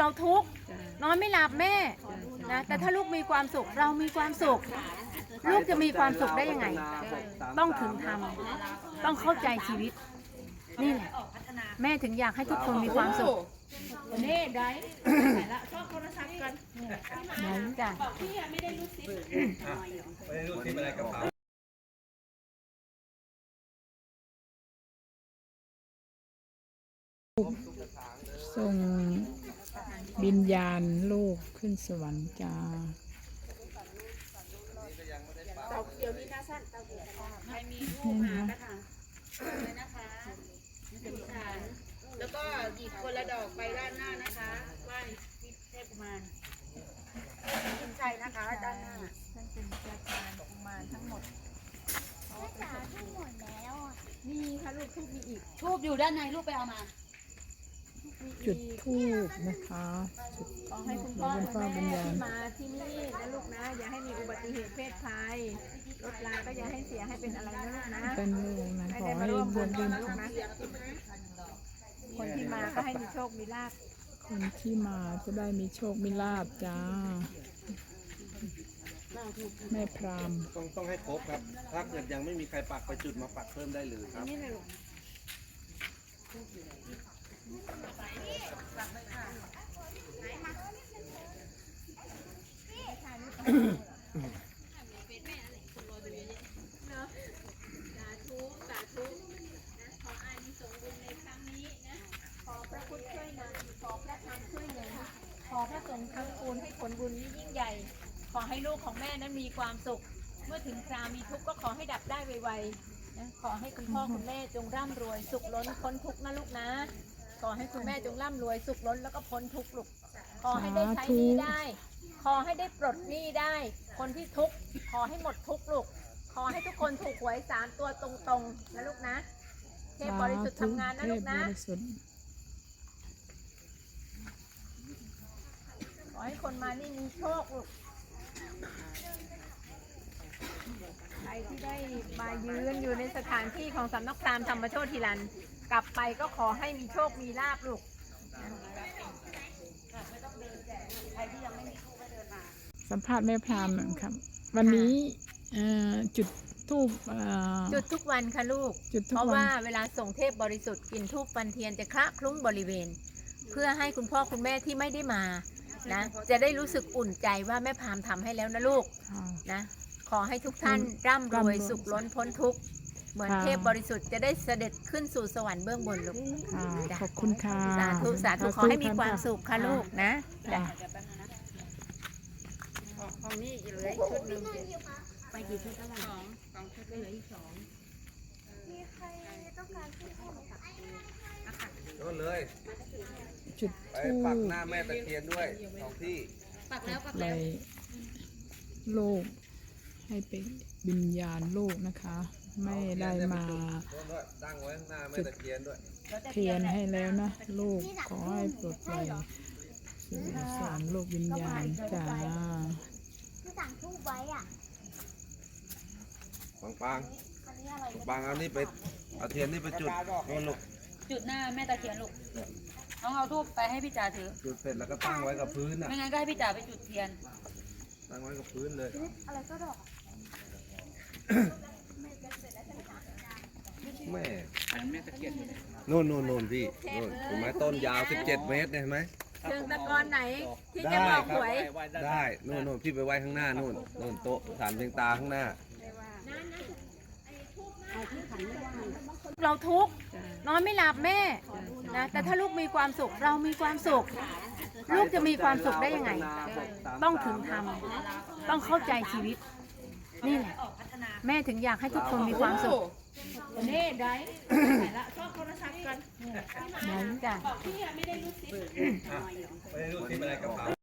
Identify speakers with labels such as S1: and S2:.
S1: เราทุกข์นอนไม่หลับแม่นะแต่ถ้าลูกมีความสุขเรามีความสุขลูกจะมีความสุขได้ยังไงต้องถึงทำต้องเข้าใจชีวิตนี่แหละแม่ถึงอยากให้ทุกคนมีความสุขนี่ได้ละชอบโทรศัพท์กันได้จ้ะพี่ไม่ได้รู้สิ
S2: ไม่ได้รู้สิอะไรกระเป๋า
S3: ส่งวิญญาณลูกขึ้นสวรรค์จ้า
S1: เดี๋ยวนี้นะสั้นใครมีลูกหากระถางเลยนะคะแล้วก็หยิบคนละดอกไปด้านหน้านะคะไหว้เทพกุมารขึ้นใจนะคะด้านหน้าท่านเป็นเจ้าชายกุมารทั้งหมดมีค่ะลูกทูบมีอีกทูบอยู่ด้านในลูกไปเอามา
S3: จุดธูปนะคะจุด
S1: ขอให้คุณพ่อคุณแม่ที่มาที่นี่นะลูกนะอย่าให้มีอุบัติเหตุเพศภัยรถราก็อย่าให้เสียให้เป็นอะไรนะลูกนะ
S3: เป็นลูกนะขอให้บุญบุญของ
S1: คนที่มาก็ให้มีโชคมีลาภ
S3: คนที่มาจะได้มีโชคมีลาภจ้าแม่พราม
S2: ต้องให้ครบครับถ้าเกิดยังไม่มีใครปักไปจุดมาปักเพิ่มได้เลยครับ
S1: ขอพระสงฆ์ทั้งปูนให้ผลบุญนี้ยิ่งใหญ่ขอให้ลูกของแม่นั้นมีความสุขเมื่อถึงคราวมีทุกข์ก็ขอให้ดับได้ไวๆนะขอให้คุณพ่อคุณแม่จงร่ำรวยสุขล้นพ้นทุกข์นะลูกนะขอให้คุณแม่จงร่ำรวยสุขล้นแล้วก็พ้นทุกข์ลูกขอให้ได้ใช้หนี้ได้ขอให้ได้ปลดหนี้ได้คนที่ทุกข์ขอให้หมดทุกข์ลูกขอให้ทุกคนถูกหวย3 ตัวตรงๆนะลูกนะเทพบริสุทธิ์ทำงานนะลูกนะขอให้คนมานี่มีโชคลูกใครที่ได้มายืนอยู่ในสถานที่ของสำนักพราหมณ์ธรรมโชติรันกลับไปก็ขอให้มีโชคมีลาภลูก
S3: สัมภาษณ์แม่พรามครับวันนี้จุดธูป
S1: จุดทุกวันค่ะลูกเพราะว่าเวลาส่งเทพบริสุทธิ์กินธูปฟันเทียนจะคละคลุ้งบริเวณเพื่อให้คุณพ่อคุณแม่ที่ไม่ได้มานะจะได้รู้สึกอุ่นใจว่าแม่พรามทำให้แล้วนะลูกนะขอให้ทุกท่านร่ำรวยสุขล้นพ้นทุกข์เหมือนเทพบริสุทธิ์จะได้เสด็จขึ้นสู่สวรรค์เบื้องบนลูก
S3: ขอบคุณค่ะ
S1: สาธุสาธุขอให้มีความสุขค่ะลูกนะจ้ะของนี่เหลืออีกชุดหนึ่งไปกี่ชุดแล้ว2ชุดเหลืออีก2มีใครต้องการชุดเพิ่มไหมคะ
S2: ก็เลย
S3: จุด
S2: ไปปักหน้าแม่ตะเคียนด้วย2ที่
S1: ปักแล้ว
S3: โลกให้เป็นวิญญาณโลกนะคะไม่ได้มา
S2: ตั้งไว้ข้างหน้าแม่ตะเคียนด้วย
S3: เทียนให้แล้วนะลูกขอให้ปลดปล่อยสู่สารโลกวิญญาณจ้า
S4: ที่สั่งทูบไว้อ่ะ
S2: ปังเอานี่ไปเอาเทียนนี่ไปจุดโน่นลูก
S1: จุดหน้าแม่ตะเคียนลูกน้องเอาทูบไปให้พี่จ๋าถือ
S2: จุดเสร็จแล้วก็ตั้งไว้กับพื้นอ่ะ
S1: ไม่งั้นก็ให้พี่จ๋าไปจุดเทียน
S2: ตั้งไว้กับพื้นเลย
S4: อะไรก็ดอก
S2: แม่นู่นพี่นู่นเห็นไหมต้นยาว17 เมตรเห็นไหม
S1: เชิงตะกอนไหนที่จะบอกหวย
S2: ได้นู่นพี่ไปไว้ข้างหน้านู่นโต๊ะฐานเพียงตาข้างหน้า
S1: เราทุกข์นอนไม่หลับแม่นะแต่ถ้าลูกมีความสุขเรามีความสุขลูกจะมีความสุขได้ยังไงต้องถึงทำต้องเข้าใจชีวิตนี่แหละแม่ถึงอยากให้ทุกคนมีความสุขนี่ได้ละชอบโทรศัพท์กันได้จ้ะ
S2: ไม่ได้รู้สิอะไรกระเป๋า